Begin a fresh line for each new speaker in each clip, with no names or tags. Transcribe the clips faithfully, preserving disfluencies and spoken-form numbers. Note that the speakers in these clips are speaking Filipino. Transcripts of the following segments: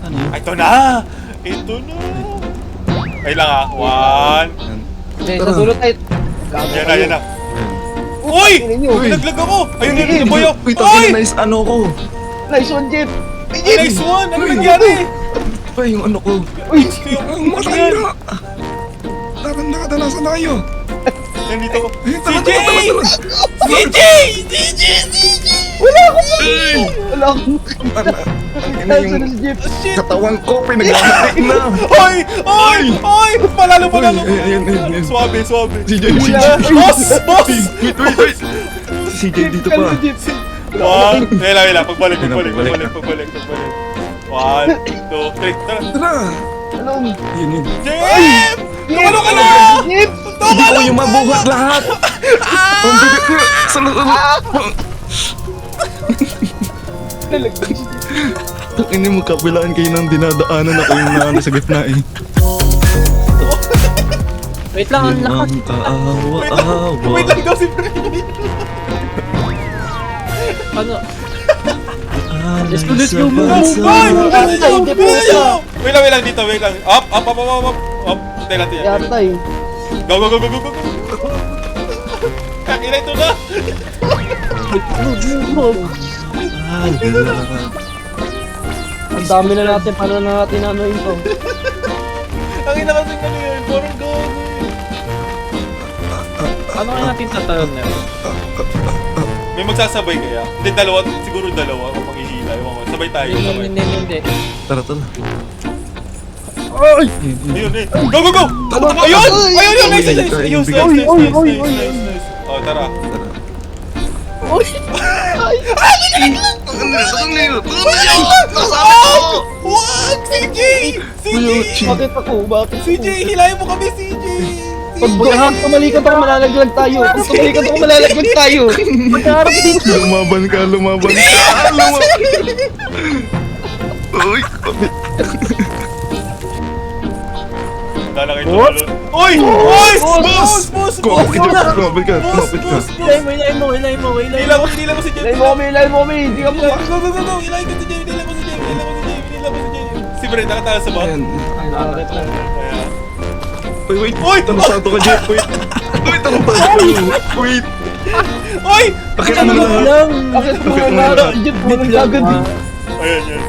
Ano yun?
Ito na! Ito na! Ay lang ah. One.
Okay, sa dulo tayo.
Yan na, yan na. Uy! Pinaglag ako! Ayun yun, yung boyo!
Uy,
Uy!
tangin na nice ano ko.
Nice one, Jeff!
Ay, nice one! Ano nangyari?
Pa yung ano ko.
Uy!
Ang matay na! Tara na, danasan na kayo.
Nandito ko.
Ayun,
C
tara,
J!
tara, tara, tara.
C J! C J! C J!
Wala akong Wala akong
Tara, tangin na
Nasaan na
yung
si Jeff?
Shit!
katawan ko, pinaglamat na.
Oy! Oy! Oy! Palalo, palalo!
Uy, ayan, ayan, ayan.
Suwabe, suwabe.
Si J, si J.
Boss! Boss!
Wait, wait, wait. Si J dito pa.
One. Wait lang, wait lang. Pagbalik,
Ayun na,
pagbalik,
pagbalik.
pagbalik, pagbalik, pagbalik. One, two, three. Tara.
Tara.
Anong?
Yun, yun.
Jem! Tumalo ka na!
Jeff!
Hindi ko yung mabuhat lahat. Ang bigat ko. Salo, salo.
Nalaglag si Jeff.
Ini mo kabilaan kayo ng dinadaanan ako yung naano sa gitna eh.
Wait lang, ang lakas.
Yung kaawa-awa.
Wait lang, ikaw si Fred.
Ano?
Let's
go, let's go, move,
Ay!
Hindi po siya.
Wait lang, wait lang dito, wait lang. Up, up, up, up, up, up. Up. Tayo natin yan.
Yatay.
Go, go, go, go, go, go. Kakina ito na.
Ang dami na natin. Paano na natin ano ito?
Ang ina kasi ano yun, parang go.
Ano kaya natin tatalon na yun?
May magsasabay kaya? Hindi, dalawa, siguro dalawa ako maghihila. Ewan ko, sabay tayo,
Hindi,
sabay.
hindi, hindi.
Tara, tara.
Ay!
Ayun eh. Go, go, go! Ayun! Ayun, ayun, nice, nice, nice. Ayun, nice, nice,
Oy, oy,
nice,
oy,
nice,
oy,
nice, nice. Oh, tara.
Uy!
Wag! C J! C J!
Bakit ako? Bakit
C J, hilahin mo kami, C J!
Pag baka tumalikan ako, malalaglag tayo. Pag tumalikan ako, malalaglag tayo. Magkaharap dito.
Lumaban ka, lumaban ka. Lumaban. Uy, kapit.
Dala kayo tumalon. Uy! Uy! Boss! Boss! Boss!
Kumapit ka, kumapit ka,
Boss!
kumapit ka.
Boss!
Hilay mo, hilay mo, hilay mo, hilay
Hila
mo.
mo, hila mo si Jem.
Ilay mo kami, ilay mo kami. Hindi ka mo.
Go, go, go, go! Hilahin ko si Jem, hila mo si Jem, hila mo si Jem, hila mo si Jem. Si Brent, nakatala sa bot.
Ayan.
Bakit na?
Ayan.
Uy, wait.
Uy!
Tanong to ka, Jeff. Wait. Uy, tanong to ka. Wait.
Uy!
Bakit ano
Ano
lahat?
lang?
Bakit mo
Bakit
na
wala?
si Jeff? Walang gagad eh.
Ayan, yan.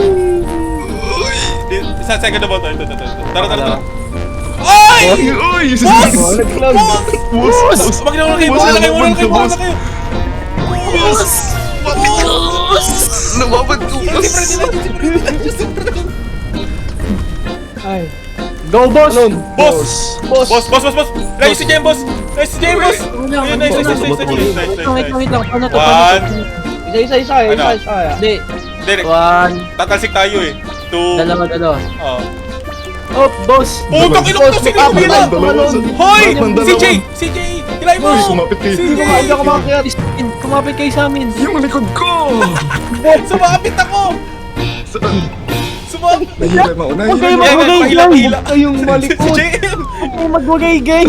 Di- Isa second na bot. Ito, ito, ito. Tara, tara, tara. Uy!
Uy, uy.
Boss!
Naglag.
Boss!
Boss!
Boss! Wag na wala kayo, wala kayo, wala kayo, wala kayo. Boss! Boss!
Lumabad ko,
Si
boss.
Brent, si Brent, si Brent.
Ay.
Go, boss!
Alone.
Boss!
Boss.
Boss, boss, boss, boss! Nice si Jem, boss! Nice si Jem, boss!
Wala,
Ayun, nice, nice, nice, nice, nice, nice,
Wait
nice,
lang, wait lang, wait
nice.
lang. Paano to?
One.
Paano to?
Isa, isa, isa. Isa,
Ano?
isa.
Hindi.
Derek,
One.
tatalsik tayo eh. Two.
Dalawa, dalawa.
Oh.
Oh, boss!
Oh, takinom to! Sige,
Boss,
kumila!
dalawa, dalawa.
Hoy!
Dalawa.
Si J! Si J! Hilay mo!
Uy, kumapit kayo.
Si
Hindi ko
J!
nga, hindi ako makakyat.
Kumapit kayo sa amin.
Yung likod ko.
Sumapit ako!
Saan?
Sumapit!
Nahihila mauna.
Huwag kayo
Yan,
magwagay
pahila,
lang.
pahila.
Huwag kayong
Si
malikot.
J!
Huwag kayong magwagay-gay.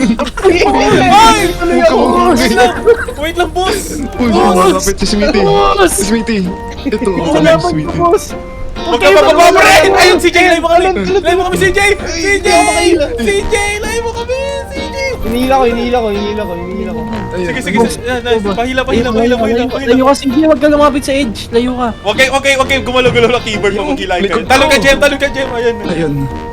Hoy!
Tuloy ako.
Wait lang! Wait lang, boss!
Uy, malapit si Smithy.
Boss!
Si Smithy. Ito,
Wala
kami
pa
Smithy.
boss!
Huwag ka mapapapre! Ayun, si J! Hilay mo kami! Hilay mo kami, si J! Si J! Si J! Hilay mo kami! Si J!
Hinihila ko, hinihila ko, hinihila ko, hinihila ko.
Ayan.
Sige, sige, sige. Yan, nice. Pahila, pahila, pahila, pahila, pahila.
Layo ka, sige, wag ka lumapit sa edge. Layo ka.
Huwag kayo, huwag kayo, huwag kayo gumalaw-galaw ng keyboard mo kung hilahin kayo.
likod
Talon ka,
ko.
Jem! Talon ka, Jem! Ayan.
Ayun.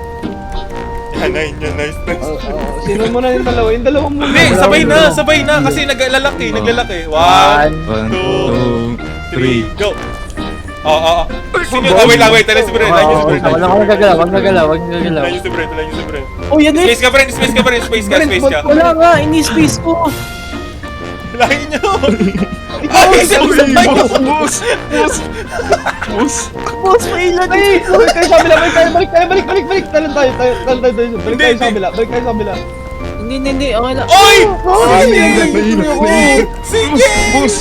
Yan, nice, yan, nice, nice.
Oh, oh, sino mo na yung dalawa? Yung dalawa mo.
Hindi, sabay na, sabay na. Kasi naglalaki, naglalaki. One,
One,
two,
two,
three,
three.
go! Oo, oo, oo. Sino? Oh, wait lang, wait. Tala si Brent, line yung si Brent.
Wala ka nagagalaw, wag nagagalaw, wag nagagalaw.
Line yung si Brent, line yung si Brent.
Oh, yan eh!
Space ka, Brent, space ka, Brent, space ka, space ka.
Wala nga, ini-space ko.
Line nyo! Ay, sabay nyo!
Boss! Boss! Boss!
Boss, may ilan
Ay, balik tayo sa kabila, balik tayo, balik tayo, balik, balik, balik. Talon tayo, tayo, talon tayo, tayo. Balik
Hindi,
tayo sa
hindi.
kabila, balik tayo sa kabila.
Hindi, hindi, hindi, okay lang.
Oy!
Ay,
Si J!
Nahihila, nahihila.
Si J!
Boss!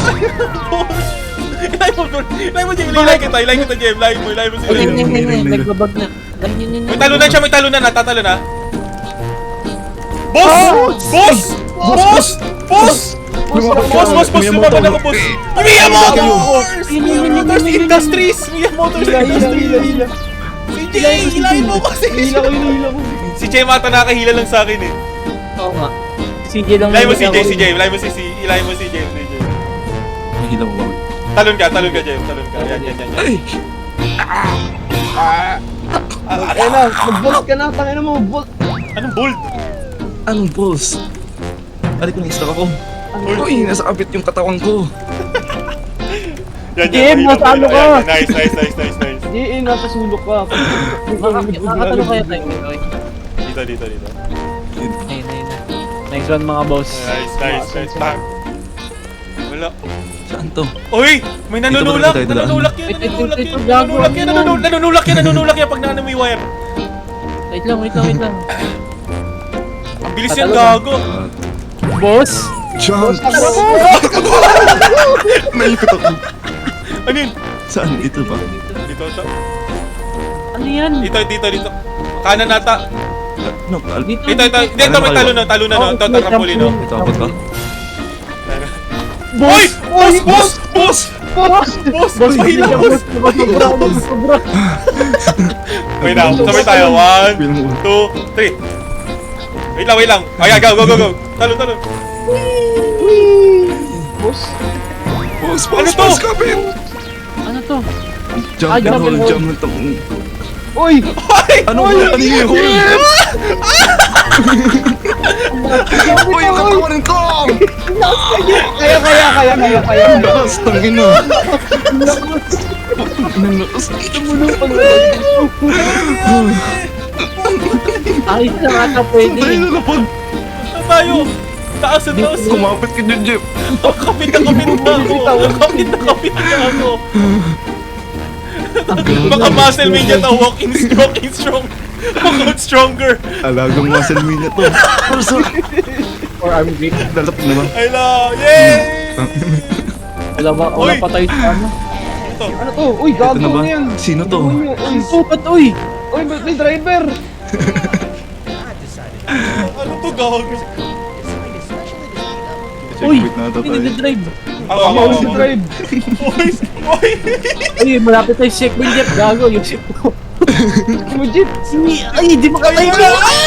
Line mo, line mo, Jem. Line kita, line kita, Jem. Line mo, line mo si
Hindi,
Jem.
hindi, hindi, hindi, nagbabag na. Lang, yun, yun,
May
yun.
talunan siya, may talunan. Natatalo na. Boss! Boss! Boss! Boss!
Lumabas ka.
Boss, boss, boss,
Miyamoto.
lumaban ako, boss. Miya Motors!
Yun, yun, yun,
Miya Motors
yun, yun, yun.
Industries! Miya Motors
Hila, hila, hila,
Industries!
hila.
C J! Hilahin mo ko si
Hila ko yun, hila ko.
Si Jay mata nakahila lang sa akin eh.
Oo nga. Si J lang.
Hilahin mo si
naman
Jay,
ako.
si Jay. Hilahin mo si si Hilahin mo si Jay, si Jay.
Mahila mo ba?
Talon ka, talon ka, Jay. Talon ka. Yan, yan, yan, yan.
Ay!
Ayun na, mag-bolt ka na, tangin na mo, bolt.
Anong bolt?
Anong balls? Balik ko na stock ako. Uy, nasa kapit yung katawan ko.
Yan,
Jay,
yan.
nasa ano ka?
Yan, Nice, nice, nice, nice, nice.
Di, eh, nasa sulok ka.
Makakatalo kaya tayo. Okay.
Dito, dito, dito.
Ayun, ayun, ayun. Nice one mga boss.
Nice, nice, nice. Bang. Wala.
Saan to?
Uy! May nanunulak!
Dito ba tayo dadaan?
Nanunulak yan!
Ito, ito,
Nanunulak
ito,
yan!
gago.
Nanunulak yan! nanunul- Nanunulak yan! Nanunulak yan pag naano mo yung wire!
Wait lang, wait lang, wait lang.
Ang bilis yan,
Tatalo
gago!
Boss!
Jump! Naikot ako.
Ano yun?
Saan? Ito ba?
Dito, dito.
Ano yan?
Dito, dito, dito. Kanan nata.
Ano? Al-
Dito,
Dito, ito. Dito, may talo na, talo na. no? Ito, ito, trampoline, no?
Ito abot ka?
Boy! Boss! Boss! Boss!
Boss!
Boss!
Boss,
Mahila,
boss,
boss!
boss, sobra, boss, sobra.
Wait lang, sabay tayo. One,
Feel mo.
two, three. Wait lang, wait lang. Ay, go, go, go, go. Talo, talo.
Boss!
Boss,
Ano
boss,
to?
boss, kapit!
Ano to?
Jump
Ay,
and
jump and
hold,
hold.
jump and tong...
Uy!
Ano ba? Ano yung hold? Uy, yung katawanin ko!
Kaya, kaya, kaya, kaya, kaya.
Ang lakas, tangin na. Ang lakas.
Tumulong pa
Ayos na nga ata pwede.
Tayo na lapag.
Saan tayo? Taas na taas.
Kumapit ka dyan, Jeff.
Oh, kapit na kapit na ako. Kapit na kapit na ako. Baka muscle mania to. Walk in strong, in strong. Walk out stronger.
Alagang muscle me na to. Puso.
Or arm grip.
Lalap na ba?
I love. Yay!
Wala ba? Wala
Uy!
pa tayo sa ano?
Ito.
Ano to? Uy,
Ito
gago
na ba?
na yan.
Sino to?
Uy, uy,
Ang sukat, uy!
uy, may may driver.
Ano to, gago?
Uy!
Checkpoint na ata
Hindi
tayo.
nag-drive.
Ako,
Ako
ako,
si
ako.
drive.
Uy! Uy!
Uy, malapit tayo sa checkpoint, Jeff. Gago, yung ship ko.
Legit.
Ay, di makatayo
Ay,
ko!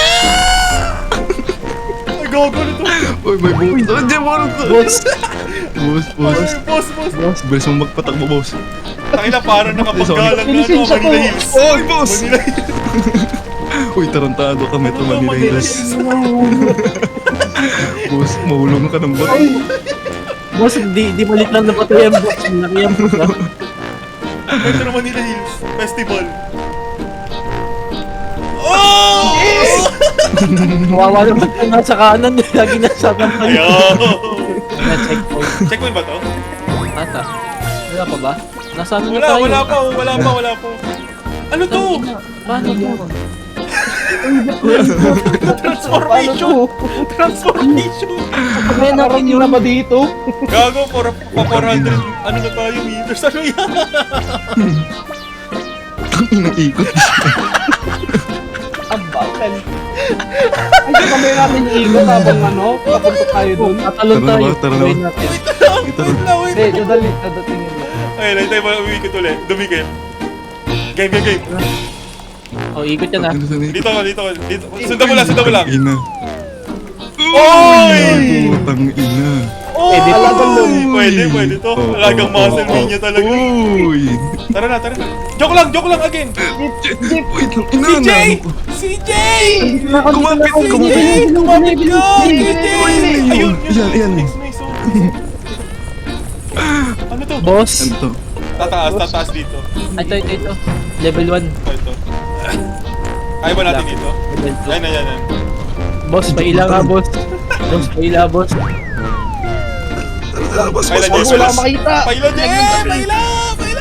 Ay, gago na to.
Uy, may buhok to. Jeff, ano to?
Boss!
Boss,
Ay,
boss.
boss, boss.
Boss!
Bilis mo magpatakbo, boss.
Tangina, parang nakapaggalang na ano,
Lisensya ko.
Manila Hills.
Oy, boss!
Manila Hills.
Uy, tarantado ka, Metro
Ano,
Manila
Manila
Hills.
Hills.
Boss, mahulog ka ng bato.
Boss, di, di malit lang na patay ang boss. Laki ang boss. ah.
Metro Manila Hills Festival. Oh!
Kawawa naman kung nasa kanan. Lagi nasa kanan.
Ayaw!
Na checkpoint.
Checkpoint ba to?
Ata. Wala pa ba? Nasaan na
Wala,
tayo?
wala pa, wala pa, wala pa. Ano to?
Paano to?
Transformation! Transformation!
Kaya natin
Nakarating na ba dito?
Gago, for, pa four hundred, ano na tayo, meters? Ano yan?
Ang ikot.
Ang bakal. Ay, kami natin yung ikot habang ano, papunta tayo dun.
Tatalon
Tara na
tayo.
ba? Tara na ba?
Gawin natin.
Ito
Wait lang, wait
Hindi,
lang.
dadali, dadatingin mo.
Ayun, ayun tayo mga umikot ulit. Dumikit. Game, game, game.
Oh, ikot yan ah.
Dito ka, dito ka. Dito. Sundan mo lang, sundan mo lang.
Ina.
Oy!
Putang ina.
Oy!
Pwede.
Alagang lun.
Pwede, pwede to.
Oh,
Alagang
oh,
muscle
oh,
mania talaga.
Uy!
Tara na, tara na. Joke lang, joke lang again.
Wait lang, ina
C J!
na.
C J!
Kumapit,
C J!
kumapit.
Kumapit ka! C J!
Ayun,
Ayun,
yan, yan.
Next, next, oh. Ano to?
Boss.
Ano to?
Tataas, tataas dito.
Ay, ito, ito, ito. Level one.
Ito, ito. Kaya ba natin dito?
Level two.
Yan, yan, yan. yan.
Boss, paila nga, boss. Boss, paila, boss.
Ah, boss,
Kailan
boss,
yun?
boss,
Wala
boss.
makita.
Paila, Jen! Paila! Paila!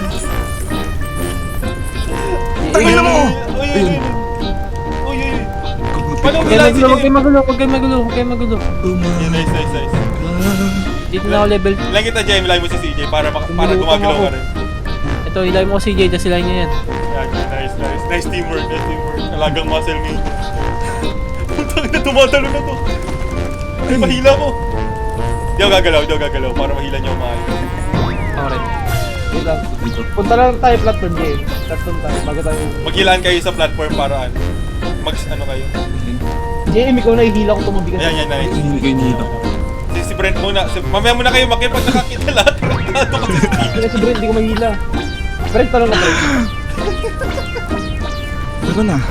Tangin na mo!
Uy, uy, uy. Uy, uy, uy. Paano
Huwag
kailan
kayo
si
magulo,
Jen?
huwag kayo magulo, huwag kayo magulo, huwag kayo magulo.
Yeah, nice, nice, nice.
Dito na ako level.
Lang kita, Jem. Ilay mo si C J para, mak- para
Tumulong
gumagalaw
ako.
ka rin.
Ito, ilay mo si J, tas ilay niya yan.
Yan, nice, nice. Nice teamwork, nice teamwork. Alagang muscle me. Puntang na, tumatalo na to. Ay, mahila ko. Di ako gagalaw, di ako gagalaw para mahila niyo maayos.
Ako rin.
Wait lang.
Dito.
Punta lang tayo platform, J M. Platform tayo, bago tayo.
Maghilaan kayo sa platform para ano. Mag, ano kayo.
J M, ikaw na ihila ko tumabi ka.
Ayan, yan, nice.
Hindi kayo nihila.
Si, si Brent muna. Si, mamaya muna kayo makip pag nakakita lahat. Ano kasi si
Kaya si Brent, di ko mahila. Brent, talon na Brent.
Tara na.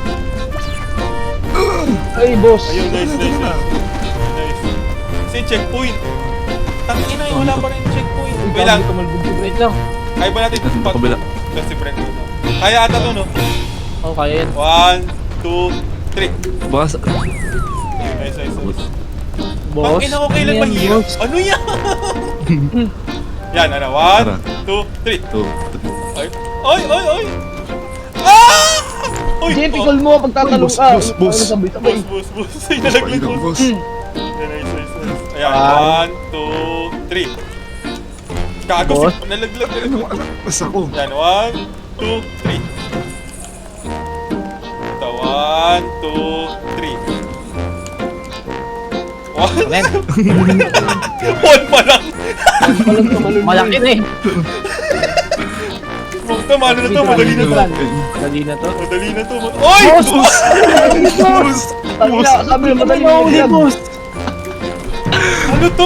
Ay, boss.
Ayun, nice, nice, nice. Nice. Kasi checkpoint. Tangina yun, wala pa rin checkpoint. Wait lang,
Wait lang.
kaya ba natin
Dito,
pag...
kabila.
Tapos si Brent muna. Kaya ata to, no?
Oh, kaya yan.
One, two, three.
Baka sa...
Ayun, nice, nice, nice.
Boss.
Pangina ko kailan
Ano yan,
mahirap?
boss?
Ano yan? Yan, ano? One,
Tara.
two, three.
Ito.
Ay, ay, ay, ay! Ah! Uy,
J M,
oh.
ikaw mo, pagtatalong
Boss,
ka.
boss, boss.
Ano sabay, sabay.
Boss, boss, boss. Ay, nalaglag
Pailang,
boss.
boss.
Yan, nice, nice, nice. Ayan,
Ah.
one, two, three. Gago,
Boss.
si- nalaglag.
Ano, alam. Basta ako.
Yan, one, two, three. Ito, one, two, three. One?
Men,
One pa lang.
Walang tumalon.
malaki na eh.
Tama, ano na to? Madali na to.
Dali na to.
Madali na to. Oy!
Boss! Boss!
Tangina, sabi mo, madali mo
Mahuli,
yan.
boss.
Ano to?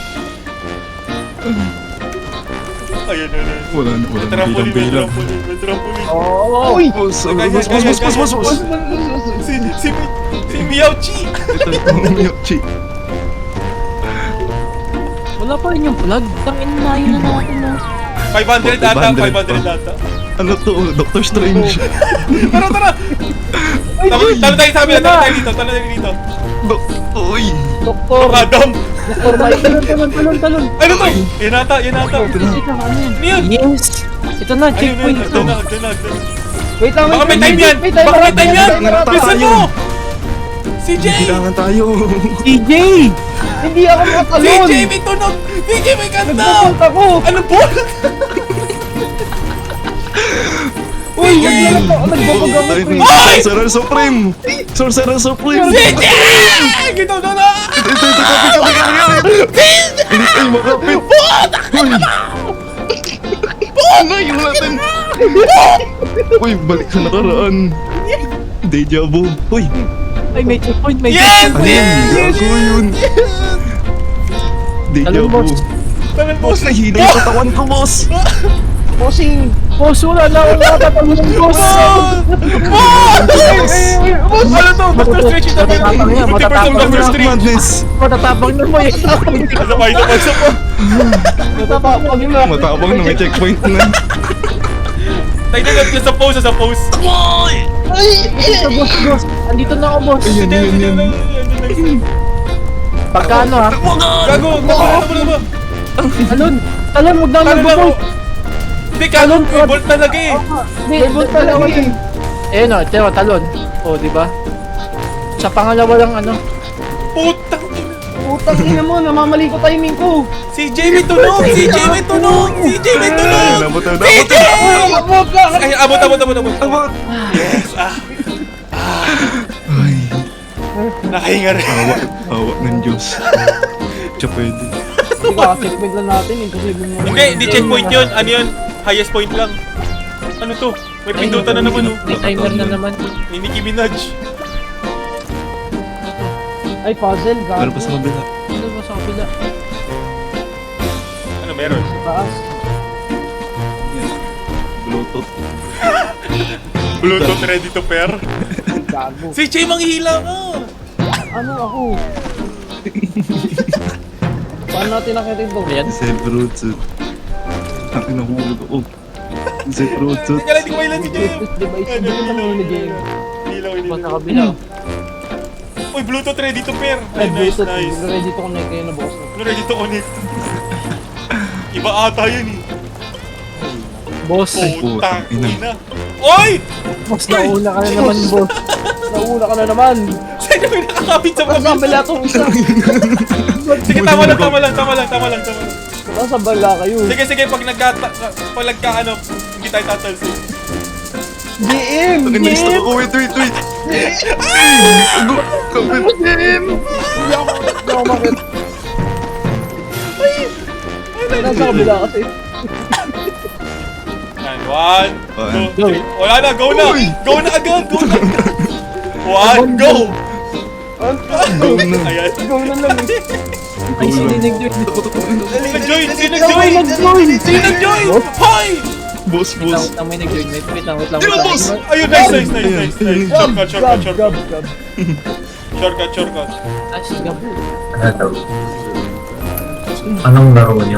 Ayun, ayun, ayun.
Wala na, wala
May
na.
trampoline, may
Bilang-bilang.
trampoline, may trampoline.
Oh.
Uy!
Boss,
Kaya,
boss, boss,
kaya,
boss,
kaya,
boss, boss,
kaya.
boss.
Si, si, si Miauchi!
Ito, ito, Miyochi.
Wala pa rin yung plug. Tangin na yun na natin no.
five hundred ata,
five hundred
five hundred
pa.
ata.
Ano to? Doctor Strange.
Tara, tara! Talo talo tayo sa amin, talo tayo dito, talo tayo dito.
Dok, uy.
Doktor,
Adam!
Doktor Mike.
Talon, talon, talon, talon.
Ano to? Yan ata, yan ata.
Ito na, ano yan?
Ano yun?
Yes! Ito na,
Ayun,
checkpoint
ayun,
ito.
agdan na, agdan na, agdan na.
Wait lang,
Baka may
wait
time yan!
May time,
Baka may time yan!
may time.
Bilisan mo! Si Jay!
Kailangan tayo.
C J!
Hindi ako
Si
makatalon.
Jay may tunog! Si Jay may kanta!
Nagpupunta ko.
Ano po?
Uy, naglalak ako. Nagbabag ako.
Tayo
pre.
ni Sorcerer Supreme. Sorcerer Supreme.
Si Jay! Gitaw na na!
Ito, ito, ito, kapit, kapit, kapit. Hindi tayo makapit. Uy. Ngayon natin. Uy, balik sa nakaraan. Deja vu. Uy,
Ay, may checkpoint, may
Yes!
ano
checkpoint.
yan?
Yes!
Gago yun. Deja
Talon,
vu.
boss.
Tangan po
Boss, nahila yung katawan ko, boss.
Bossing.
Boss, wala na akong natatalon ng boss.
Boss.
Ano to? Doctor Strange ito ba?
Matatapang yan,
fifty percent
matatapang
Doctor
yan.
Strange!
Madness.
Matatapang na mo eh.
Isa pa, isa pa, isa pa.
Matapapag na.
Matapang na may checkpoint na.
Tayo na lang sa pose, sa pose.
Ito, boss, boss. Andito na ako, boss.
Ayun, yun, yun.
Pagka ano ha?
Gago, gago, ano ba?
Talon! Talon, huwag na
Ano na
nag-bolt!
ako? Hindi, gago, may bolt talaga eh.
Hindi,
Bolt talaga eh.
eh no, ito, talon. O, di ba? Sa pangalawa lang ano.
Putang ina.
Putang ina mo, namamali ko timing ko.
Si Jay may tunog! Si Jay may tunog! Si Jay may tunog!
Ay, nabot na,
Si
nabot na.
Jay!
Abot lang.
Ay, abot, abot, abot, abot.
Abot.
Yes, ah.
Ay,
Nakahinga rin.
awa, awa ng Diyos. Siya pwede.
Hindi ka, checkpoint lang natin eh. Kasi mo.
Hindi, hindi checkpoint yun. Ano yun? Highest point lang. Ano to? May pindutan na naman oh.
May timer na naman.
Ni Nicki Minaj.
Ay, puzzle. Gago.
Pero pa sa kabila.
Ano ba sa kabila?
Ano meron?
Taas.
Bluetooth.
Bluetooth ready to pair.
Gago.
Si Jay manghihila ka!
Ano ako? Paano natin nakita ito?
Ayan.
Zed Bluetooth. Ang inahulog ako. Zed Bluetooth.
Teka lang, hindi ko mailan si Jay.
Bluetooth device.
Ano,
Hindi ko
ilaw,
naman ni Jay.
Ilaw,
Pa
ilaw.
sa kabila.
Uy, Bluetooth ready to pair.
Ay,
Ay, nice,
Bluetooth.
nice.
Ready to connect kayo na bukas na.
Ano ready to connect? Iba ata yun eh.
Boss.
Putang
ina.
ina. Oy!
Boss, nauna ka na naman, boss.
Nauna ka na naman.
Saan may nakakapit sa
Nasa
kabila?
bala itong isa.
Sige, tama lang, tama lang, tama lang, tama lang, tama lang.
Nasa bala kayo.
Sige, sige, pag nagka, pag nagka, ano, hindi tayo tatalsin.
G M!
Ang
G
ina-stuck
M!
ako. Wait, wait, wait. Ago. Kapit.
Hindi ako hindi ako makit. Nasa kabila kasi.
One,
One.
two, three. Wala na, go na!
Uy!
Go na agad! Go na! One, go!
Go na.
Ayan.
Go na lang.
Ay, sino yung nag-join?
Sino nag-join? Sino nag-join? Sino nag-join? Hoy!
Boss,
Wait lang,
boss.
wait lang, may nag-join. Wait, wait lang, wait lang.
Sino,
wait lang.
boss?
Ayun, nice, nice, nice, nice, nice. Shortcut, shortcut,
Grab, grab,
shortcut.
grab.
Shortcut, shortcut.
Ah, si Gabo.
Ano? Anong laro nyo?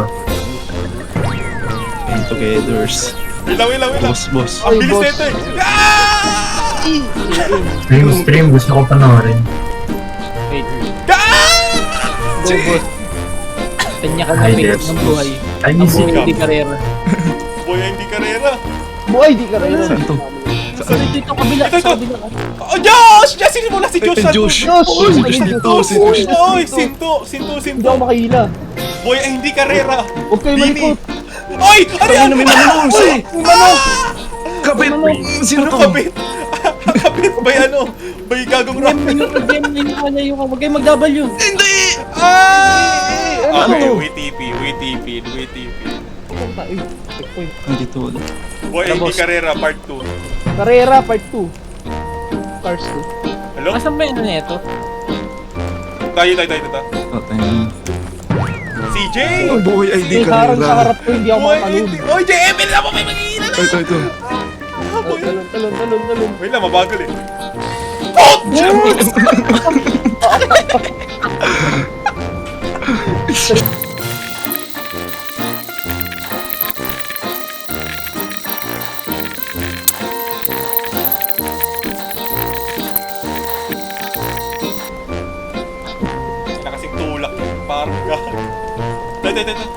And togethers.
Wait lang, wait lang, wait lang.
Boss, boss.
Ang
Ay,
bilis
boss.
nito eh. Ah!
Stream, stream. Gusto ko panoorin.
Wait.
Ah!
Go, boss. Kanya ka na
Ay,
may
yes,
ng
boss.
buhay.
I
Ang
miss
buhay
it.
di karera.
Boy, hindi karera.
Buhay, di ka rin.
Saan to?
So, dito, dito, kabila.
Ito, ito.
Sa kabila.
Oh, Josh! Josh, sino mo na si Josh?
Ay, Josh.
Josh!
Oh, si Josh dito, si Josh.
Oy, sinto, sinto,
Hindi
sinto.
ako makahila.
Boy, ay hindi karera.
Huwag kayo
Bini.
malikot.
Oy! Ano yan?
Ano may manong si? Kapit! Sino
Ano
to?
kapit? Kapit ba ano? Bay gagong rock.
Game, yung game, yung ano, yung huwag kayo mag-W.
Hindi!
Ah!
Ano
Okay,
to?
W T P, W T P, W T P.
Ay, checkpoint.
Nandito wala.
Boy, ay hindi
Boss.
karera, part two.
Carrera part two. Cars two.
Hello?
Asan ba yung ano nito?
Tayo, tayo, tayo, tayo.
Oh, tayo na.
C J!
Oh, boy, ay di
May harang sa
karera.
harap ko, hindi ako
Boy,
makatalon.
hindi. Oy, J M L na mo may manginginan na!
Ito, ito.
Ah, boy.
Talon, talon, talon, talon.
Wait lang, mabagal eh. Wala kasing tulak yun, parang gag. Tayo, tayo, tayo.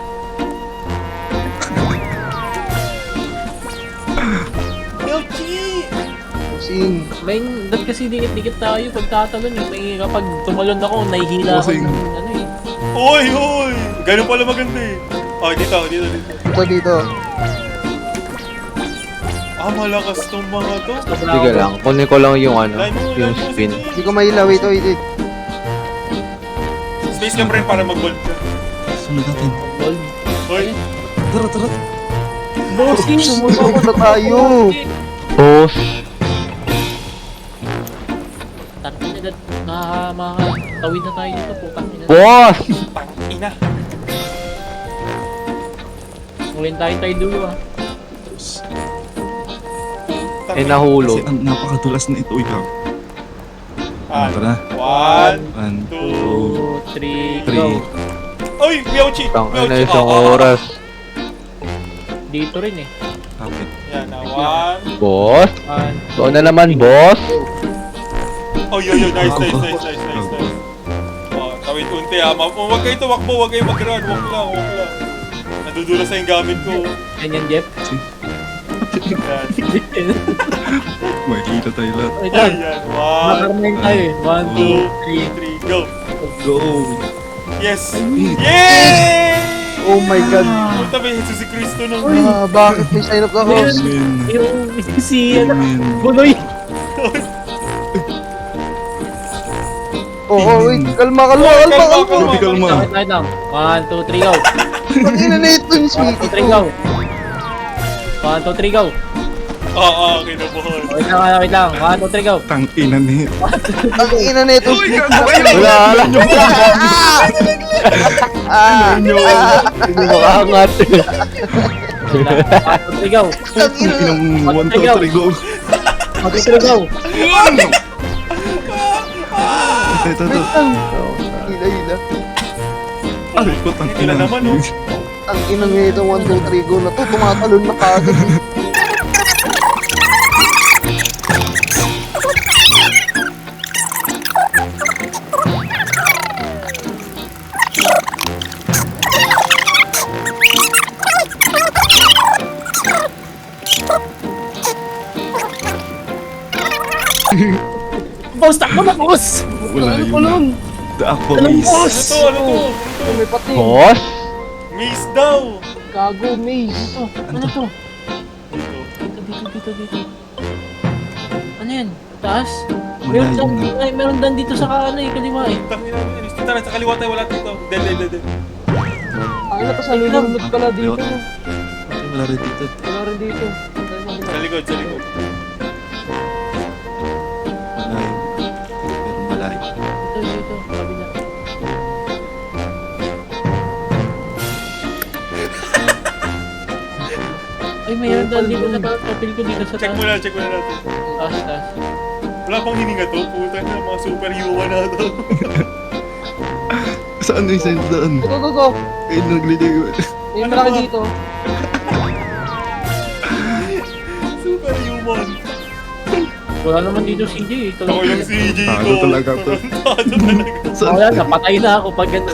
Yoshi!
Sing.
May, dahil kasi dikit-dikit tayo pag tatalon eh. May kapag tumalon ako, nahihila ako
Bossing.
ng ano eh.
Uy, uy! Ganun pala maganda eh. Oh, dito, dito, dito.
Ito dito.
Ah, malakas tong mga to.
Sobra
Sige
ako.
lang, kunin ko lang yung ano,
Line mo,
yung
line mo,
spin.
sige.
Hindi ko mahila. Wait, wait, wait.
Space ka rin para mag-gold ka.
Sunod natin.
Gold.
Hoy,
Tara, tara.
Bossing!
Sumusoko na tayo.
Boss!
Tangin na, na, makakatawid na tayo dito, putang ina.
Boss!
ina.
Ngulin tayo tayo dulo ah.
Eh
Kasi
nahulog.
ang napakadulas na ito, ikaw.
Ah,
Tara.
one,
One,
two,
two, three,
three.
go.
Uy, Miauchi!
Tang
Miauchi!
na isang
Ah, ah, ah.
oras.
Dito rin eh.
Kapit.
Yan na, one.
Boss?
One,
Doon na naman, boss?
Oh, yo, yo, nice, nice, nice, nice, nice, nice. Oh, tawid unti ha. Ma- oh, Huwag kayo tumakbo, huwag kayo mag-run. Huwag lang, huwag lang. Nadudulas na yung gamit ko.
ganyan, Jeff.
Yan.
Makikita tayo lahat.
Wait lang.
Ayan, one,
Makarmain tayo eh. One, two,
two,
three.
three, go.
Go!
Yes! Yay!
Oh my God.
Punta ba yung Jesus Cristo nung...
Ah, bakit may sign up na house?
Amen.
Yung si ano,
Amen.
Buloy.
Oo, oh, wait. Kalma, kalma,
Kalma,
kalma,
kalma.
kalma.
Hindi kalma.
Wait, wait lang. One, two, three, go.
Ang ina na ito yung
One,
sweetie
two, three,
ko.
go. One, two, three, go.
Oo, oh, okay na buhol.
Wait lang, wait lang. One, two, three, go.
Tangina ni.
Ang ina na ito
Uy,
sweetie
gago!
ko.
Ay,
Wala, wala.
Ah,
Hindi makaangat.
One, two, three, go.
ang ina na.
Inang one, two, three, go.
One, two, three, go.
Ito, ito, ito.
Wait lang. Hila, hila.
Aray ko, tangina.
Hila naman, oh.
Ang ina nga ito, one, two, three, go na to. Tumatalon na kagad. eh.
Boss, takbo na, boss!
Wala
Ano
yun.
lang?
The Aqua
Anong
Maze.
boss?
Ano to, ano to?
Oh, may pati.
Boss?
Maze daw!
Gago, maze.
Ito, ano to?
Dito.
Dito, dito, dito, dito. Ano yan? Taas?
Wala
Meron dan,
yun.
ay, meron dan dito sa ano eh, kaliwa eh.
Tangina mo, Inis. Tara, sa kaliwa tayo, wala dito. Del, del, del, del.
Ang ina, tapos nalulunod pala dito.
Wala rin dito.
Wala rin dito.
Sa likod, sa likod.
Malayo. Pero malayo.
Ito, ito, kabila. Ay, mayroon doon dito sa profile ko dito sa
Check
taas.
mo na, check mo na natin.
Taas, taas.
Wala pang hininga to, puta na, mga superhuman na to.
Saan yung sa'yo daan?
Go, go, go.
Kayo nagliligo.
May malaki dito.
Superhuman.
Wala naman dito si J. Ito
Ako yung C J ko.
Talo talaga to.
Talo talaga.
Saan?
Wala, napatay na ako pag ganun.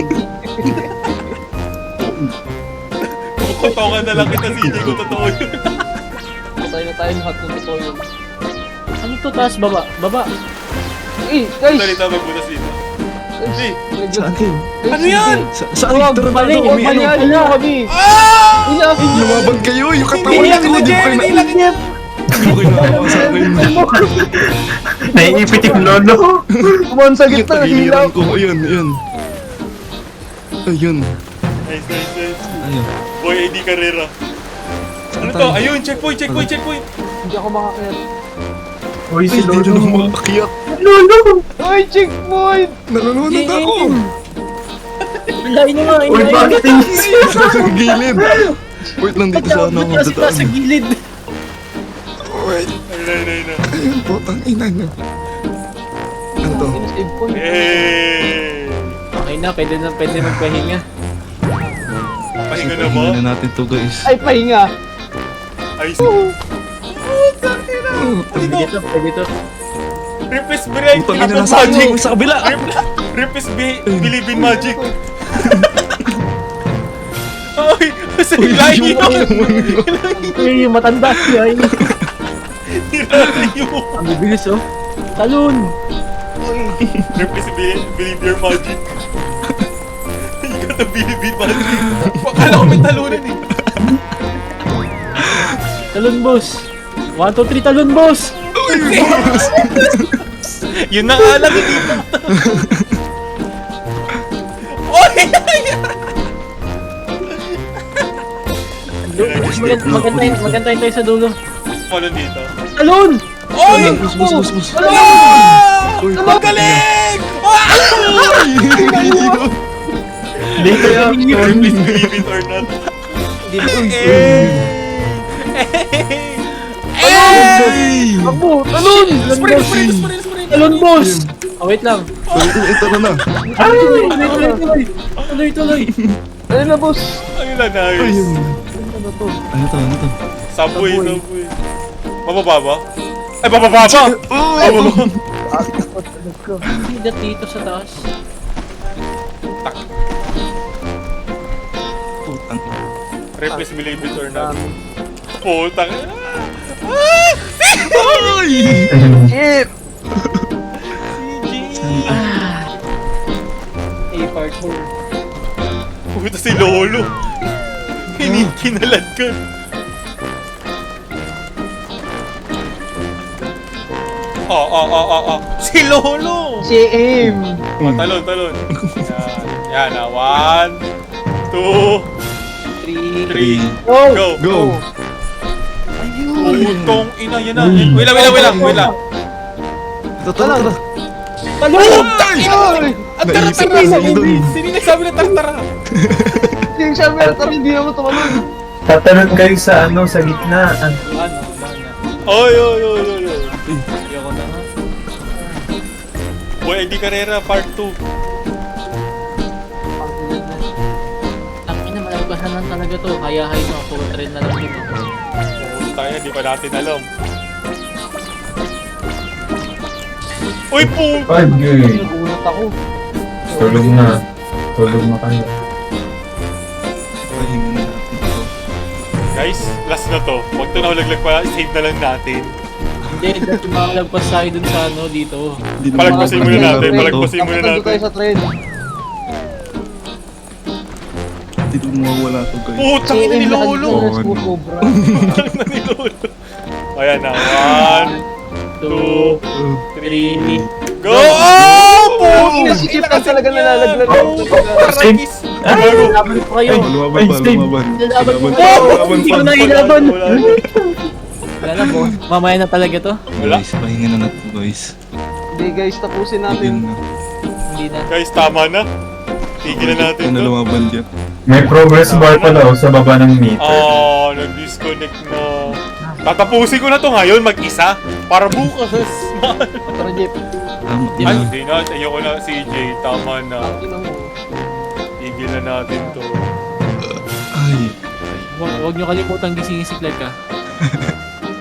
Kukotokan na lang kita C J ko, totoo yun.
Patay na tayo lahat ng totoo yun.
Ano to, taas, baba? Baba.
Eh, guys!
Salita magbutas dito. Hey,
Saan kayo?
ano yan?
Sa- Saan?
Huwag,
Tara,
mali,
tara,
huwag,
umi-
mali,
ano?
ano kami?
Ah!
Ilapin niyo!
Lumabag kayo, yung katawan
Hindi lang
ko,
kita,
di ba
Jen!
kayo
Hindi
na-
lang kita!
Di ba kayo nakawa sa akin?
Naiipit yung lolo.
Kumon sa
Yung
gitna, hilaw!
tagiliran ko, ayun, ayun. Ayun.
Nice, nice, nice.
Ayun.
Boy, A D Carrera. Ano to? Ayun, checkpoint, checkpoint, checkpoint.
Hindi ako makakayat.
Uy, si
Ay, hindi na
lolo.
ako makakakyat.
Lolo!
Ay, checkpoint!
Nalulunod ako.
Ilahin nyo nga,
Uy,
ilahin nyo.
bakit yung...
Sa gilid. Wait lang dito sa ano ako
Kasi
dadaan.
sa gilid.
Wait.
Ayun, ayun, ayun. ayun.
Ayun, putang ina niyo. Ano to?
Save ko.
Hey!
Okay na, pwede na, pwede magpahinga.
Pahinga na ba?
Pahinga na natin to, guys.
Ay, pahinga!
Ay,
Oh,
Pwede to, pwede to.
Replace Bray,
putang
Believe
ina,
in
nasa
Magic!
sa kabila.
Replace Be- Believe in Magic! Ay! Sa hilahin
Yung
yun!
Uy, yung matanda siya. Ay,
Hilahin yun!
ang bibilis oh. Talon!
Replace Be- Believe your Magic! You gotta believe in Magic! Akala ko may talunan eh!
Talon, boss! one, two, three, talon, boss!
Yun na nga lang, hindi pa! Oy!
Maganda, magantayin, magantayin tayo sa dulo.
Follow dito.
Talon!
Oy!
Bus, bus, bus, bus.
Ah!
Uy,
Magaling! Ah!
Dito yung...
Please believe it or not.
Hindi na.
Eh! Eh!
Ako! Talon!
Spray, spray, spray, spray!
Talon, boss! Oh, wait lang.
Ito na na.
Tuloy, tuloy, tuloy, tuloy. Tuloy, tuloy.
Ano na, boss?
Ayun na, nice.
Ayun.
Ano to?
Ano to, ano to?
Subway, subway. Mababa ba? Ay, bababa ba?
Oh!
Hindi dat dito sa taas.
Putang.
Replace believe it or not. Putang.
Ay!
Shit!
A part four.
Puta si Lolo. Hinikinalad ka. Oh, oh, oh, oh, oh. Si Lolo!
Si Aim!
Oh, talon, talon. Yan. Yan na. One, two,
Three.
three.
Go!
Go!
Go!
Putong ina, yan na. Wait lang, wait lang, wait lang, wait lang.
Ito, tara, tara.
Talon!
Putang ina! Ang
Naisip
tara-tara
ko
sa
lang dun.
Sino nagsabi na tara-tara?
Hindi yung sabi na tayo, hindi naman tumalun.
Tatanong kayo sa ano, sa gitna. An-
Ano? Mana?
Oy, oy, oy, oy, oy.
Ayoko na nga.
Boy, Eddie Carrera, part two.
Ang ina, malagpasan lang talaga to. Kaya-hay mo. Full train na lang dito.
Tayo, di pa natin alam. Uy, po!
Ay, gay.
Nagulat ako.
Tulog na. Tulog na kayo.
Pahinga na natin ito.
Guys, last na to. Huwag to nahulaglag pa, save na lang natin.
Hindi, dati makalagpas tayo dun sa ano dito.
Hindi naman
Palagpasin muna
nakakalaban
natin,
to.
palagpasin muna
Dapat nandun tayo
natin.
sa train.
Hindi na mawawala to, guys.
Putang ina ni Lolo!
Oh,
Let's go,
ano.
Cobra.
Putang ina ni Lolo! Ayan na, one, two,
Uh,
Three.
go! Oh! Puta!
Si Chip lang talaga nalalaglag.
Tarakis! Gago!
Laban po kayo.
lumaban
Ay,
pa,
Steve.
lumaban.
Lalaban po
Lumaban
kayo.
pa, lumaban
Hindi
pa.
ko na ilaban.
Wala, wala.
Wala na, boss. Mamaya na talaga to.
Wala.
Guys, pahinga na natin guys.
Hindi guys, tapusin
Tigil
natin.
na.
Hindi na.
Guys, tama na. Tigilan natin
Ano
to.
lumaban dyan?
May progress bar pala oh, sa baba ng meter.
Ah, nag-disconnect na. Tatapusin ko na to ngayon mag-isa. Para bukas.
Tara, Jeff.
Tama
Ay,
yan.
hindi na. Ayoko na, C J. Tama na.
Tingnan mo.
Tigilan natin to.
Ay.
Huwag, huwag nyo kalimutan gisingin si Clark, ah.